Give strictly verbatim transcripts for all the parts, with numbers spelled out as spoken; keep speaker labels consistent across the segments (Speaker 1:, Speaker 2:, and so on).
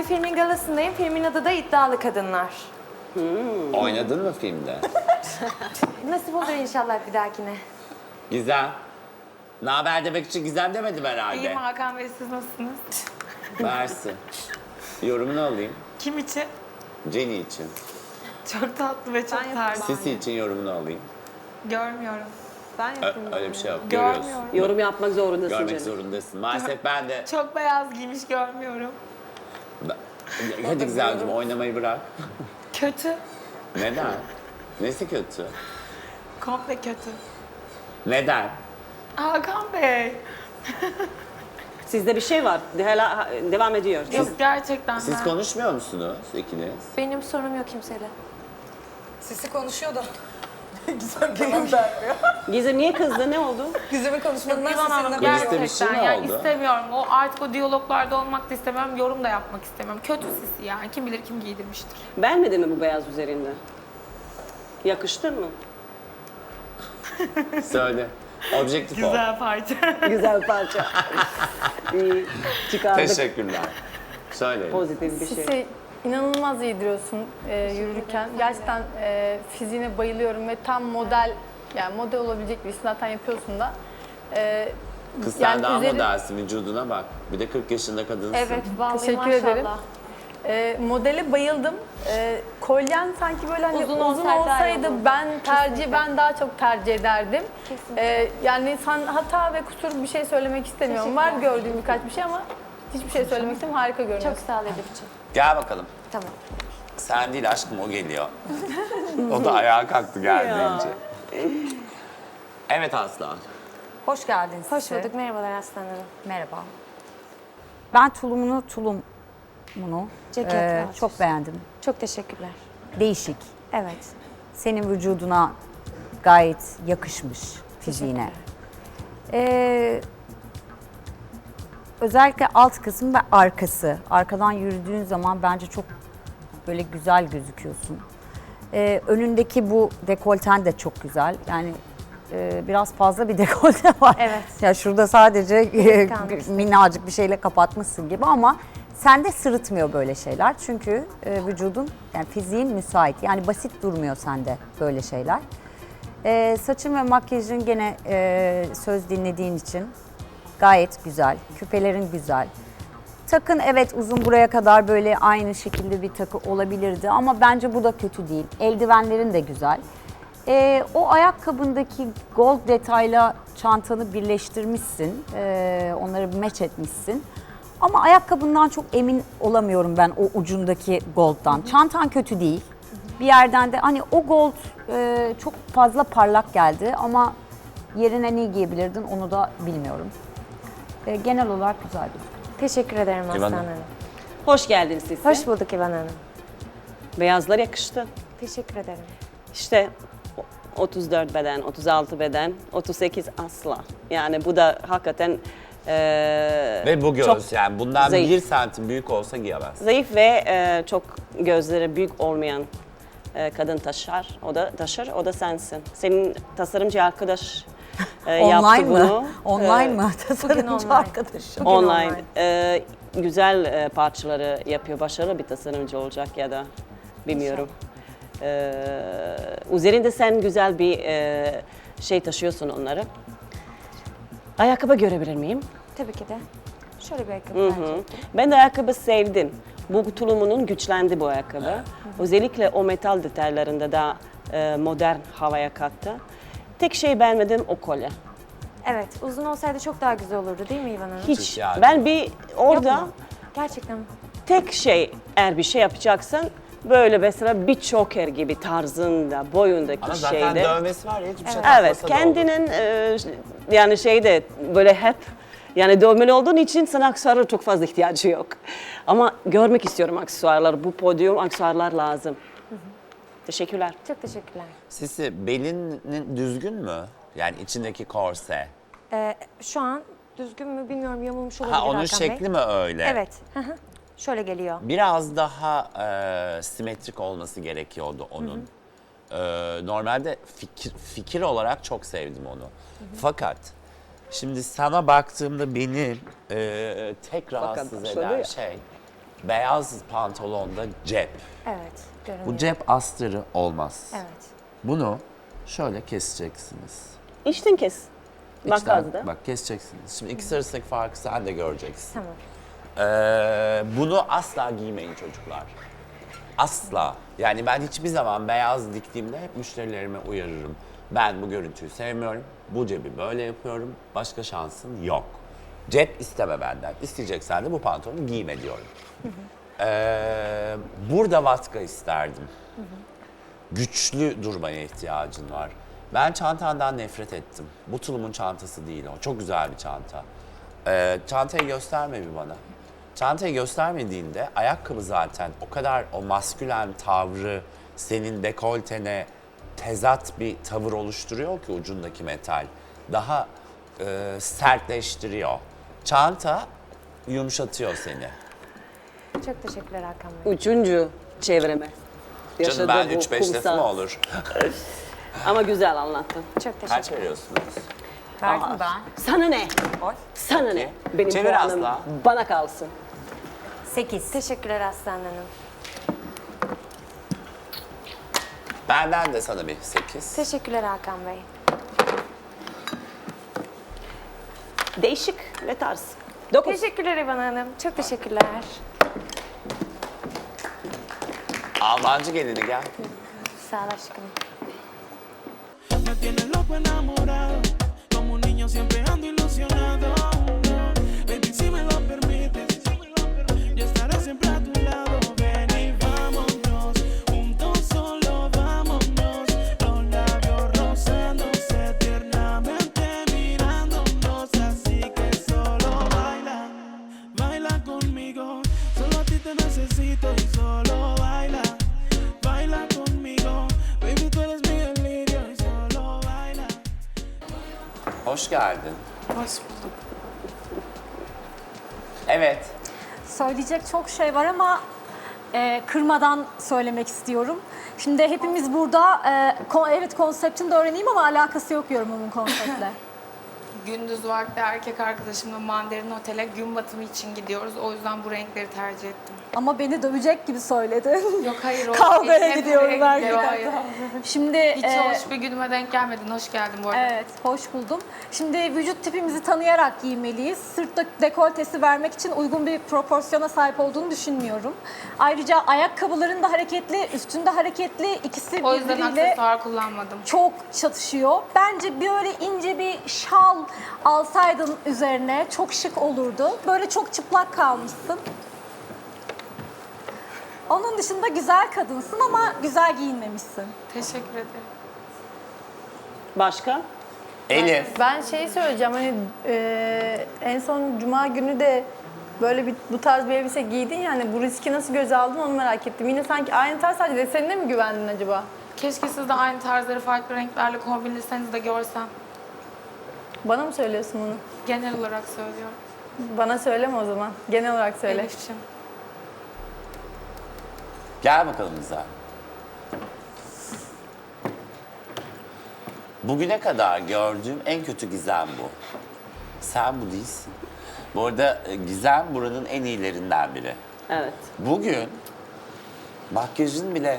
Speaker 1: filmin galasındayım. Filmin adı da İddialı Kadınlar.
Speaker 2: Hmm. Oynadın mı filmde?
Speaker 1: Nasip olur inşallah bir dahakine.
Speaker 2: Gizem. Ne haber demek için Gizem demedim herhalde.
Speaker 3: İyiyim Hakan Bey, siz nasılsınız?
Speaker 2: Versin. Yorumunu alayım.
Speaker 3: Kim için?
Speaker 2: Jenny için.
Speaker 3: Çok tatlı ve çok tersi.
Speaker 2: Sisi için yorumunu alayım.
Speaker 3: Görmüyorum.
Speaker 1: Ben
Speaker 2: Ö-
Speaker 1: yapayım.
Speaker 2: öyle bir şey yok. Görüyorsun.
Speaker 3: Görmüyorum.
Speaker 4: Yorum yapmak zorundasın
Speaker 2: Görmek
Speaker 4: canım.
Speaker 2: zorundasın. Maalesef ben de...
Speaker 3: Çok beyaz giymiş, görmüyorum.
Speaker 2: Ben- Hadi Gizemciğim oynamayı bırak.
Speaker 3: Kötü.
Speaker 2: Neden? Nesi kötü?
Speaker 3: Komple kötü.
Speaker 2: Neden?
Speaker 3: Hakan Bey.
Speaker 4: Sizde bir şey var. De- Hala devam ediyor.
Speaker 3: Yok gerçekten
Speaker 2: Siz
Speaker 3: ben.
Speaker 2: konuşmuyor musunuz ikiniz?
Speaker 1: Benim sorunum yok kimseyle.
Speaker 5: Sisi konuşuyor da. Gizem cevap vermiyor.
Speaker 4: Gizem niye kızdı? Ne oldu?
Speaker 5: Gizem'in konuşmalarından
Speaker 3: İvan Hanım
Speaker 5: sesinden
Speaker 2: Kuliste bir
Speaker 3: gerçekten
Speaker 2: şey mi
Speaker 3: yani
Speaker 2: oldu?
Speaker 3: istemiyorum. O artık o diyaloglarda olmak da istemiyorum. Yorum da yapmak istemiyorum. Kötü sisi yani. Kim bilir kim giydirmiştir.
Speaker 4: Beğenmedin mi bu beyaz üzerinde? Yakıştı mı?
Speaker 2: Söyle. Objektif ol.
Speaker 3: Güzel parça.
Speaker 4: Güzel parça. İyi. Çıkardık.
Speaker 2: Teşekkürler. Söyle.
Speaker 4: Pozitif bir şey.
Speaker 6: Sisi inanılmaz yediriyorsun e, yürürken. Gerçekten e, fiziğine bayılıyorum ve tam model, yani model olabilecek bir iş zaten yapıyorsun da. E,
Speaker 2: Kız sen
Speaker 6: yani
Speaker 2: daha
Speaker 6: üzeri-
Speaker 2: modelsin, vücuduna bak. Bir de kırk yaşında kadınsın.
Speaker 1: Evet vallahi
Speaker 6: Teşekkür
Speaker 1: maşallah.
Speaker 6: ederim. E, modele bayıldım. E, kolyen sanki böyle hani
Speaker 1: Uzun
Speaker 6: uzun,
Speaker 1: olsaydı daha iyi
Speaker 6: olsaydı
Speaker 1: olurdu.
Speaker 6: ben tercih ben daha çok tercih ederdim.
Speaker 1: Kesinlikle.
Speaker 6: E, yani sen hata ve kusur bir şey söylemek istemiyorum. Var
Speaker 1: Teşekkürler.
Speaker 6: gördüğüm birkaç bir şey ama hiçbir şey söylemek istemiyorum. Harika görünüyorsun.
Speaker 1: Çok sağ ol Edip'ciğim.
Speaker 2: Gel bakalım.
Speaker 1: Tamam.
Speaker 2: Sen değil aşkım, o geliyor. O da ayağa kalktı geldiğince. Evet Aslan.
Speaker 5: Hoş geldin
Speaker 1: Hoş
Speaker 5: Sisi.
Speaker 1: bulduk. Merhabalar Aslan Hanım.
Speaker 5: Merhaba. Ben tulumunu, tulumunu
Speaker 1: Ceket
Speaker 5: e,
Speaker 1: var.
Speaker 5: çok beğendim.
Speaker 1: Çok teşekkürler.
Speaker 5: Değişik.
Speaker 1: Evet.
Speaker 5: Senin vücuduna gayet yakışmış fiziğine. Ee, özellikle alt kısım ve arkası. Arkadan yürüdüğün zaman bence çok böyle güzel gözüküyorsun. Ee, önündeki bu dekolten de çok güzel. Yani e, biraz fazla bir dekolte var.
Speaker 1: Evet.
Speaker 5: Ya şurada sadece e,
Speaker 1: kalmış.
Speaker 5: minnacık bir şeyle kapatmışsın gibi ama sende sırıtmıyor böyle şeyler. Çünkü e, vücudun, yani fiziğin müsait. Yani basit durmuyor sende böyle şeyler. E, saçın ve makyajın gene e, söz dinlediğin için gayet güzel. Küpelerin güzel. Takın evet uzun buraya kadar böyle aynı şekilde bir takı olabilirdi ama bence bu da kötü değil. Eldivenlerin de güzel. Ee, o ayakkabındaki gold detayla çantanı birleştirmişsin. Ee, onları match etmişsin. Ama ayakkabından çok emin olamıyorum ben o ucundaki gold'dan. Çantan kötü değil. Bir yerden de hani o gold e, çok fazla parlak geldi ama yerine ne giyebilirdin onu da bilmiyorum. Ee, genel olarak güzel bir.
Speaker 1: Teşekkür ederim Aslan
Speaker 2: İvan
Speaker 1: Hanım.
Speaker 4: Hoş geldin Sisi.
Speaker 1: Hoş bulduk İvan Hanım.
Speaker 4: Beyazlar yakıştı.
Speaker 1: Teşekkür ederim.
Speaker 4: İşte otuz dört beden, otuz altı beden, otuz sekiz asla. Yani bu da hakikaten eee,
Speaker 2: Ve bu göz
Speaker 4: çok
Speaker 2: yani bundan
Speaker 4: zayıf.
Speaker 2: bir santim büyük olsa giyemez.
Speaker 4: zayıf ve eee, çok gözleri büyük olmayan eee, kadın taşır. O da taşır, o da sensin. Senin tasarımcı arkadaş eee, yaptı
Speaker 5: Online mı?
Speaker 4: bunu.
Speaker 5: Online
Speaker 4: Eee,
Speaker 5: mı? Tasarımcı
Speaker 1: online.
Speaker 5: arkadaşım.
Speaker 4: Online.
Speaker 1: online.
Speaker 4: Eee, güzel eee, parçaları yapıyor. Başarılı bir tasarımcı olacak ya da bilmiyorum. Ee, üzerinde sen güzel bir e, şey taşıyorsun onları. Ayakkabı görebilir miyim?
Speaker 1: Tabii ki de. Şöyle bir ayakkabı
Speaker 4: Hı
Speaker 1: tercih
Speaker 4: hı.
Speaker 1: ettim.
Speaker 4: Ben de ayakkabı sevdim. Bu tulumunun güçlendi bu ayakkabı. Özellikle o metal detaylarında da e, modern havaya kattı. Tek şey beğenmedim o kolye.
Speaker 1: Evet. Uzun olsaydı çok daha güzel olurdu değil mi İvan Hanım?
Speaker 4: Hiç.
Speaker 2: ihtiyacım
Speaker 4: Ben bir orada
Speaker 1: Yok mu? Gerçekten mi?
Speaker 4: tek şey eğer bir şey yapacaksın böyle mesela bir choker gibi tarzında, boyundaki
Speaker 2: Ama zaten
Speaker 4: şeyde.
Speaker 2: dövmesi var ya hiçbir şey
Speaker 4: Evet,
Speaker 2: takmasa da olur.
Speaker 4: kendinin e, yani şeyde böyle hep yani dövmeli olduğun için sana aksesuara çok fazla ihtiyacı yok. Ama görmek istiyorum aksesuarlar. Bu podyum aksesuarlar lazım. Teşekkürler.
Speaker 1: Çok teşekkürler.
Speaker 2: Sisi belinin düzgün mü? Yani içindeki korse.
Speaker 1: Ee, şu an düzgün mü bilmiyorum, yamulmuş olabilir
Speaker 2: Ha onun
Speaker 1: Hakan Bey.
Speaker 2: şekli mi öyle?
Speaker 1: Evet. Hı hı. Şöyle geliyor.
Speaker 2: Biraz daha e, simetrik olması gerekiyordu onun. E, normalde fikir, fikir olarak çok sevdim onu. Fakat şimdi sana baktığımda beni e, tek rahatsız
Speaker 4: şöyle
Speaker 2: eden
Speaker 4: ya.
Speaker 2: şey beyaz pantolonda cep.
Speaker 1: Evet, görünüyor.
Speaker 2: Bu cep astarı olmaz.
Speaker 1: Evet.
Speaker 2: Bunu şöyle keseceksiniz.
Speaker 4: İçten kes. Bak
Speaker 2: İçten-
Speaker 4: azda.
Speaker 2: Bak keseceksiniz. Şimdi ikisi arasındaki farkı sen de göreceksin.
Speaker 1: Tamam.
Speaker 2: Ee, bunu asla giymeyin çocuklar. Asla. Yani ben hiçbir zaman beyaz diktiğimde hep müşterilerime uyarırım. Ben bu görüntüyü sevmiyorum. Bu cebi böyle yapıyorum. Başka şansın yok. Cep isteme benden. İsteyeceksen de bu pantolonu giyme diyorum. Ee, burada vatka isterdim. Güçlü durmaya ihtiyacın var. Ben çantandan nefret ettim. Bu tulumun çantası değil o. Çok güzel bir çanta. Ee, çantayı gösterme bir bana. Çantayı göstermediğinde ayakkabı zaten o kadar o maskülen tavrı senin dekoltene tezat bir tavır oluşturuyor ki ucundaki metal. Daha e, sertleştiriyor. Çanta yumuşatıyor seni.
Speaker 1: Çok teşekkürler Hakan Bey.
Speaker 4: Üçüncü çevreme.
Speaker 2: Canım
Speaker 4: Yaşadığı
Speaker 2: ben
Speaker 4: bu
Speaker 2: üç beş lafı
Speaker 4: kumsal.
Speaker 2: mı olur?
Speaker 4: Ama güzel anlattın.
Speaker 1: Çok teşekkür
Speaker 2: Kaç veriyorsunuz?
Speaker 5: Verdim ben.
Speaker 4: Sana ne?
Speaker 5: Oy.
Speaker 4: Sana ne? Benim
Speaker 2: Çevir
Speaker 4: puanım
Speaker 2: Aslı.
Speaker 4: bana kalsın.
Speaker 5: sekiz.
Speaker 1: Teşekkürler Aslan Hanım.
Speaker 2: Benden de sana bir sekiz.
Speaker 1: Teşekkürler Hakan Bey.
Speaker 4: Değişik ve tarz. Dokuz.
Speaker 1: Teşekkürler İvan Hanım. Çok teşekkürler.
Speaker 2: Almancı gelini gel.
Speaker 1: Sağ ol aşkım.
Speaker 7: Me tienes loco enamorado, como un niño siempre ando ilusionado. Baby, si me lo permites, yo estaré siempre a tu lado. Ven y vámonos, juntos solo vámonos. Los labios rozándose tiernamente mirándonos, así que solo baila, baila conmigo. Solo a ti te necesito y solo baila, baila conmigo. Baby, tú eres mi delirio y solo baila.
Speaker 2: Hoş geldin.
Speaker 3: Hoş bulduk.
Speaker 2: Evet.
Speaker 8: Söyleyecek çok şey var ama e, kırmadan söylemek istiyorum. Şimdi hepimiz burada, e, ko- evet konseptini de öğreneyim ama alakası yok yorumumun konseptle.
Speaker 3: Gündüz vakti erkek arkadaşımla Mandarin Otel'e gün batımı için gidiyoruz. O yüzden bu renkleri tercih ettim.
Speaker 8: Ama beni dövecek gibi söyledin.
Speaker 3: Yok hayır. o
Speaker 8: Kavgaya
Speaker 3: eşine
Speaker 8: gidiyorum
Speaker 3: buraya
Speaker 8: erkek
Speaker 3: gidiyor, hayır.
Speaker 8: Şimdi
Speaker 3: Hiç
Speaker 8: e,
Speaker 3: hoş bir günüme denk gelmedin. Hoş geldin bu arada.
Speaker 8: evet, hoş buldum. Şimdi vücut tipimizi tanıyarak giymeliyiz. Sırt de- dekoltesi vermek için uygun bir proporsiyona sahip olduğunu düşünmüyorum. Ayrıca ayakkabıların da hareketli, üstünde hareketli, ikisi
Speaker 3: O yüzden
Speaker 8: birbiriyle
Speaker 3: aksesuar kullanmadım.
Speaker 8: çok çatışıyor. Bence böyle ince bir şal alsaydın üzerine çok şık olurdu. Böyle çok çıplak kalmışsın. Onun dışında güzel kadınsın ama güzel giyinmemişsin.
Speaker 3: Teşekkür ederim.
Speaker 4: Başka?
Speaker 2: Elif.
Speaker 6: Ben şey söyleyeceğim hani e, en son cuma günü de böyle bir bu tarz bir elbise giydin ya hani bu riski nasıl göze aldın onu merak ettim. Yine sanki aynı tarz sadece desenine mi güvendin acaba?
Speaker 3: Keşke siz de aynı tarzları farklı renklerle kombinleseniz de görsem.
Speaker 6: Bana mı söylüyorsun bunu?
Speaker 3: Genel olarak söylüyorum.
Speaker 6: Bana söyleme o zaman. Genel olarak söyle.
Speaker 3: Elif'ciğim.
Speaker 2: Gel bakalım bize. Bugüne kadar gördüğüm en kötü Gizem bu. Sen bu değilsin. Bu arada e, Gizem buranın en iyilerinden biri.
Speaker 4: Evet.
Speaker 2: Bugün makyajın bile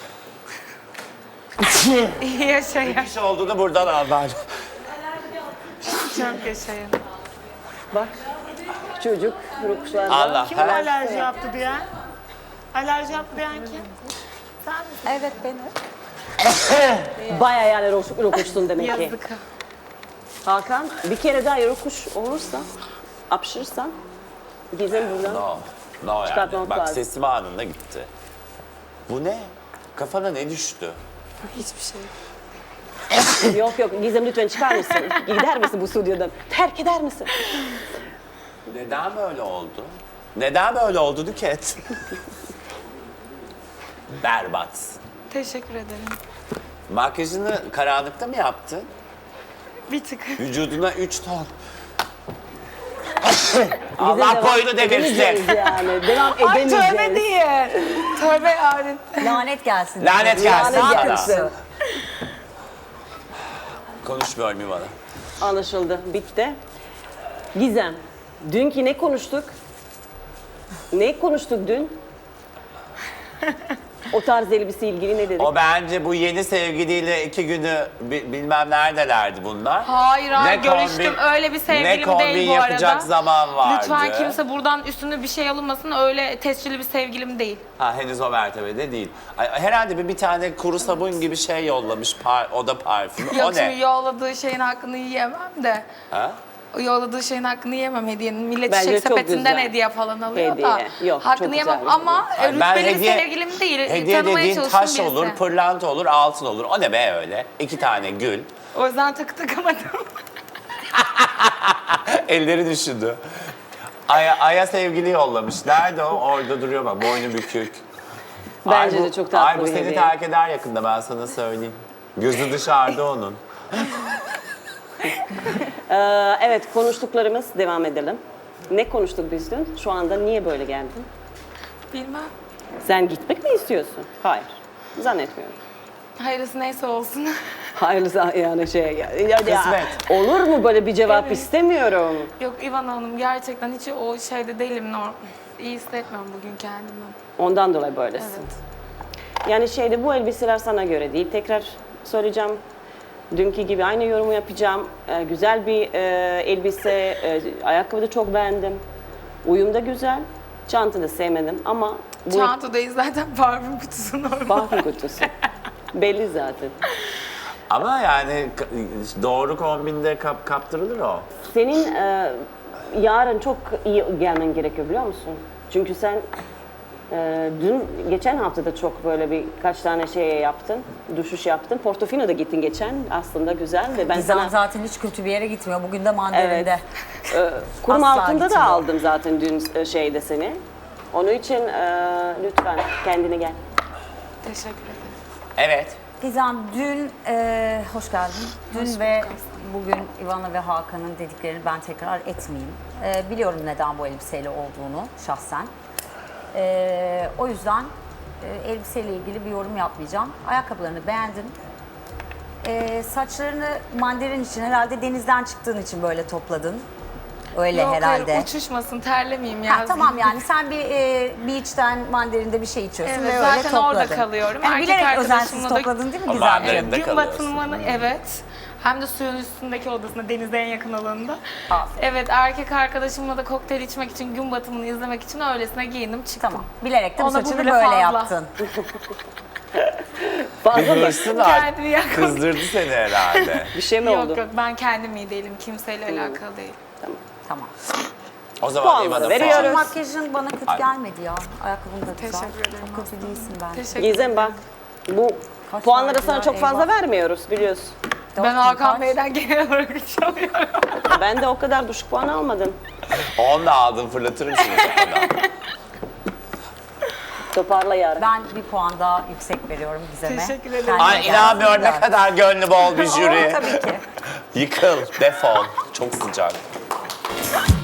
Speaker 3: İyi yaşayın.
Speaker 2: iş olduğunu buradan al ben.
Speaker 3: Çok yaşayın.
Speaker 4: Bak. Çocuk rokuşlarda.
Speaker 2: Allah.
Speaker 3: Kim
Speaker 2: her-
Speaker 3: alerji yaptı diyen? Alerji yaptı diyen kim?
Speaker 8: Evet benim.
Speaker 4: Bayağı yani rokuş, rokuşsun demek ki.
Speaker 3: Yazık.
Speaker 4: Hakan bir kere daha rokuş olursa, apşırırsan Gizem buradan.
Speaker 2: No. No yani.
Speaker 4: Çıkartmamak
Speaker 2: Bak
Speaker 4: lazım.
Speaker 2: sesim anında gitti. Bu ne? Kafana ne düştü?
Speaker 3: Hiçbir şey.
Speaker 4: Yok yok Gizem lütfen çıkar mısın? Gider misin bu stüdyodan? Terk eder misin?
Speaker 2: Neden böyle oldu? Neden böyle oldu Nüket? Berbat.
Speaker 3: Teşekkür ederim.
Speaker 2: Makyajını karanlıkta mı yaptın?
Speaker 3: Bir tık.
Speaker 2: Vücuduna üç ton.
Speaker 4: Gizem
Speaker 2: Allah
Speaker 4: devam
Speaker 2: boynu devirsin.
Speaker 4: edemeyeceğiz yani. Devam
Speaker 3: Ay
Speaker 4: edemeyeceğiz.
Speaker 3: tövbe değil. Tövbe yani.
Speaker 5: Lanet gelsin.
Speaker 2: Lanet gelsin
Speaker 4: Lanet
Speaker 2: sana.
Speaker 4: gelsin.
Speaker 2: Konuşmuyorum İvan'a.
Speaker 4: Anlaşıldı. Bitti. Gizem, dünkü ne konuştuk? Ne konuştuk dün? O tarz elbise ilgili ne dedik?
Speaker 2: O bence bu yeni sevgiliyle iki günü bi- bilmem neredelerdi bunlar.
Speaker 3: Hayır hayır
Speaker 2: Ne
Speaker 3: görüştüm.
Speaker 2: kombin-
Speaker 3: Öyle bir
Speaker 2: ne
Speaker 3: sevgilim
Speaker 2: kombin
Speaker 3: değil bu arada.
Speaker 2: yapacak zaman vardı.
Speaker 3: Lütfen kimse buradan üstüne bir şey alınmasın. Öyle tescilli bir sevgilim değil.
Speaker 2: Ha, henüz o mertebede değil. Ay, herhalde bir, bir tane kuru sabun gibi şey yollamış, par, o da parfüm.
Speaker 3: Yok
Speaker 2: O
Speaker 3: şimdi
Speaker 2: ne?
Speaker 3: yolladığı şeyin hakkını yiyemem de.
Speaker 2: Ha?
Speaker 3: O yolladığı şeyin hakkını yemem hediyenin. Millet
Speaker 4: Bence
Speaker 3: çiçek
Speaker 4: çok
Speaker 3: sepetinden
Speaker 4: güzel.
Speaker 3: hediye falan alıyor
Speaker 4: Hediye.
Speaker 3: da.
Speaker 4: Yok, çok
Speaker 3: hakkını
Speaker 4: güzel
Speaker 3: yemem
Speaker 4: bir
Speaker 3: ama
Speaker 2: Ay, ben
Speaker 3: rütbeli bir
Speaker 2: hediye-
Speaker 3: sevgilim değil.
Speaker 2: Hediye
Speaker 3: Tanımaya
Speaker 2: dediğin
Speaker 3: çalıştığım
Speaker 2: taş
Speaker 3: birisi.
Speaker 2: olur, pırlanta olur, altın olur. O ne be öyle? İki tane gül.
Speaker 3: O yüzden takı takamadım.
Speaker 2: Elleri düşündü. Aya, Aya sevgili yollamış. Nerede o? Orada duruyor bak. Boynu bükük.
Speaker 4: Bence
Speaker 2: Ay bu-
Speaker 4: de çok tatlı
Speaker 2: Ay bu
Speaker 4: bir
Speaker 2: seni
Speaker 4: hediye.
Speaker 2: terk eder yakında, ben sana söyleyeyim. Gözü dışarıda onun.
Speaker 4: Ee, evet, konuştuklarımız devam edelim. Ne konuştuk biz dün? Şu anda niye böyle geldin?
Speaker 3: Bilmem.
Speaker 4: Sen gitmek mi istiyorsun? Hayır. Zannetmiyorum.
Speaker 3: Hayırlısı neyse olsun.
Speaker 4: Hayırlısı yani şey ya, ya- ya-
Speaker 2: Kısmet.
Speaker 4: olur mu böyle bir cevap istemiyorum.
Speaker 3: Yok İvan Hanım gerçekten hiç o şeyde değilim. Norm. İyi hissetmiyorum bugün kendimi.
Speaker 4: Ondan dolayı böylesin.
Speaker 3: Evet.
Speaker 4: Yani şeyde bu elbiseler sana göre değil. Tekrar söyleyeceğim. Dünkü gibi aynı yorumu yapacağım. Ee, güzel bir e, elbise, e, ayakkabı da çok beğendim. Uyum da güzel. Çanta da sevmedim ama bu
Speaker 3: Çantadayız zaten parfüm kutusu normal.
Speaker 4: parfüm kutusu. Belli zaten.
Speaker 2: Ama yani k- doğru kombinde kap, kaptırılır o.
Speaker 4: Senin e, yarın çok iyi gelmen gerekiyor biliyor musun? Çünkü sen e, dün, geçen hafta da çok böyle bir kaç tane şey yaptın, düşüş yaptın. Portofino'da gittin geçen, aslında güzel ve ben
Speaker 5: Gizem
Speaker 4: sana...
Speaker 5: zaten hiç kötü bir yere gitmiyor. Bugün de Mandarin'de.
Speaker 4: E, kurum
Speaker 5: Asla
Speaker 4: altında da
Speaker 5: gitmiyor.
Speaker 4: aldım zaten dün e, şeyde seni. Onun için e, lütfen kendine gel.
Speaker 3: Teşekkür ederim.
Speaker 2: Evet.
Speaker 5: Gizem dün, e, hoş geldin. Dün
Speaker 3: Hoş
Speaker 5: ve
Speaker 3: bulduk
Speaker 5: bugün Ivana ve Hakan'ın dediklerini ben tekrar etmeyeyim. E, biliyorum neden bu elbiseyle olduğunu şahsen. E, o yüzden e, elbiseyle ilgili bir yorum yapmayacağım. Ayakkabılarını beğendim. E, saçlarını mandarin için, herhalde denizden çıktığın için böyle topladın. Öyle
Speaker 3: Yok
Speaker 5: herhalde.
Speaker 3: hayır uçuşmasın terlemeyeyim ya.
Speaker 5: Ha, tamam yani sen bir e, beach'ten mandarinde bir şey içiyorsun
Speaker 3: Evet,
Speaker 5: ve öyle
Speaker 3: zaten
Speaker 5: topladın.
Speaker 3: orada kalıyorum.
Speaker 5: Yani
Speaker 3: Erkek
Speaker 5: bilerek
Speaker 3: arkadaşımla
Speaker 5: özensiz
Speaker 3: da-
Speaker 5: topladın değil mi
Speaker 2: O
Speaker 5: güzel?
Speaker 2: mandarinde
Speaker 3: Gün
Speaker 2: kalıyorsun.
Speaker 3: batımını evet. Hem de suyun üstündeki odasında, denize en yakın alanında.
Speaker 5: Aferin.
Speaker 3: Evet, erkek arkadaşımla da kokteyl içmek için, gün batımını izlemek için öylesine giyindim çıktım.
Speaker 5: Tamam. Bilerek de bu
Speaker 3: Ona bu
Speaker 5: saçını
Speaker 3: bile
Speaker 5: böyle
Speaker 3: fazla.
Speaker 5: yaptın.
Speaker 4: Fazla
Speaker 2: Bir
Speaker 4: mı?
Speaker 2: hırsın var.
Speaker 3: Kendini yakın.
Speaker 2: Kızdırdı seni herhalde.
Speaker 4: Bir şey mi oldu?
Speaker 3: Yok yok ben kendim iyi değilim. Kimseyle alakalı değil.
Speaker 5: Tamam.
Speaker 2: O zaman
Speaker 4: Puanları
Speaker 2: İvan'a
Speaker 4: veriyoruz.
Speaker 2: puan.
Speaker 5: Makyajın bana kötü
Speaker 2: Ay.
Speaker 5: gelmedi ya. Ayakkabın da güzel.
Speaker 3: Teşekkür ederim
Speaker 5: Çok kötü değilsin bence.
Speaker 3: Teşekkür
Speaker 4: Gizem bak, bu
Speaker 5: Kaç
Speaker 4: puanları sana
Speaker 5: verdiler,
Speaker 4: çok fazla
Speaker 5: eyvah.
Speaker 4: vermiyoruz biliyorsun.
Speaker 5: Dört
Speaker 3: Ben
Speaker 5: bin
Speaker 3: Hakan
Speaker 5: kaç?
Speaker 3: Bey'den genel olarak üç alıyorum.
Speaker 4: Ben de o kadar düşük puan almadım.
Speaker 2: On da aldın, fırlatırım şimdi kafadan.
Speaker 4: Toparla yarın.
Speaker 5: Ben bir puan daha yüksek veriyorum Gizem'e.
Speaker 3: Teşekkür ederim.
Speaker 5: Kendine
Speaker 2: Ay
Speaker 5: gelsin
Speaker 2: inanmıyorum, ne
Speaker 5: de.
Speaker 2: kadar gönlü bol bir jüri.
Speaker 5: Oo, tabii ki.
Speaker 2: Yıkıl, defol. Çok sıcak.